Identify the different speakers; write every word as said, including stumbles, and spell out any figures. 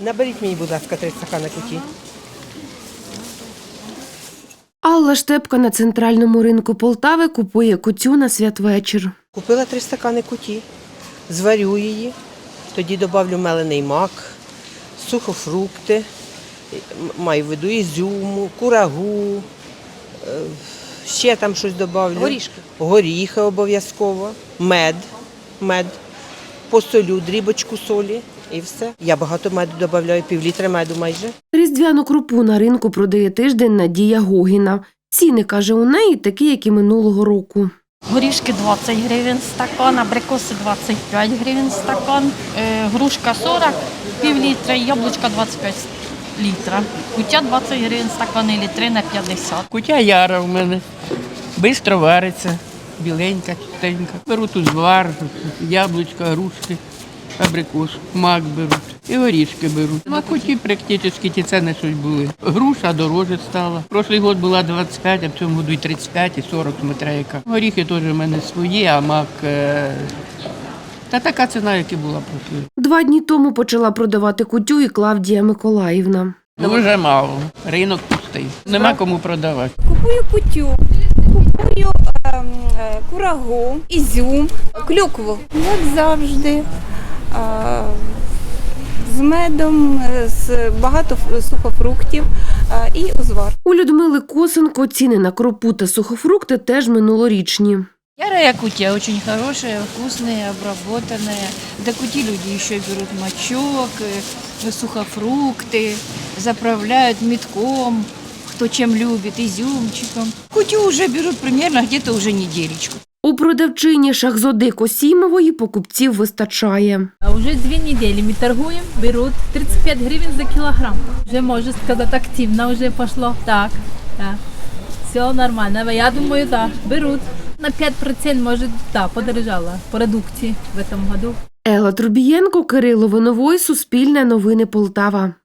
Speaker 1: Наберіть мені, будь ласка, три стакани куті.
Speaker 2: Алла Штепка на центральному ринку Полтави купує кутю на святвечір.
Speaker 1: Купила три стакани куті, зварю її, тоді додавлю мелений мак, сухофрукти, м- маю в виду ізюму, курагу, е, ще там щось додавлю.
Speaker 3: Горішки.
Speaker 1: Горіхи обов'язково, мед, мед, посолю дрібочку солі і все. Я багато меду додаю, пів літра меду майже.
Speaker 2: Різдвяну крупу на ринку продає тиждень Надія Гогіна. Ціни, каже, у неї такі, як і минулого року.
Speaker 3: Горішки двадцять гривень стакан, абрикоси двадцять п'ять гривень стакан, е, грушка сорок, пів літра, яблучка двадцять п'ять літра. Куття двадцять гривень стакан і літри на п'ятдесят.
Speaker 4: Кутя яра в мене, швидко вариться, біленька, чистенька. Беру тут звар, яблучка, грушки, абрикос, мак беруть і горішки беруть. На куті практично ті ціни щось були. Груша дороже стала. Прошлий год була двадцять п'ять, а в цьому году і тридцять п'ять, і сорок смотря яка. Горіхи теж в мене свої, а мак е, та така ціна, як і була прошлий.
Speaker 2: Два дні тому почала продавати кутю і Клавдія Миколаївна.
Speaker 4: Дуже мало. Ринок пустий. Нема кому продавати.
Speaker 5: Купую кутю, купую ем, е, курагу, ізюм, клюкву. Як завжди. Е, з медом, е, з багато ф- сухофруктів е, і узвар.
Speaker 2: У Людмили Косенко ціни на кропу та сухофрукти теж минулорічні.
Speaker 3: Ярая кутя очень хорошая, вкусная, обработанная. До кути люди еще берут мочок, э, сухофрукты, заправляют метком, кто чем любит, изюмчиком. Кутю уже берут примерно где-то уже неделечку.
Speaker 2: У продавчині Шахзоди Косімової покупців вистачає.
Speaker 6: А уже две недели мы торгуем, берут тридцать пять гривен за килограмм. Уже, можно сказать, активно уже пошло. Так, да. Все нормально. Я думаю, да, берут. На пять процентов, может, да, подорожала продукции в этом году.
Speaker 2: Елла Трубієнко, Кирило Виновой, Суспільне новини Полтава.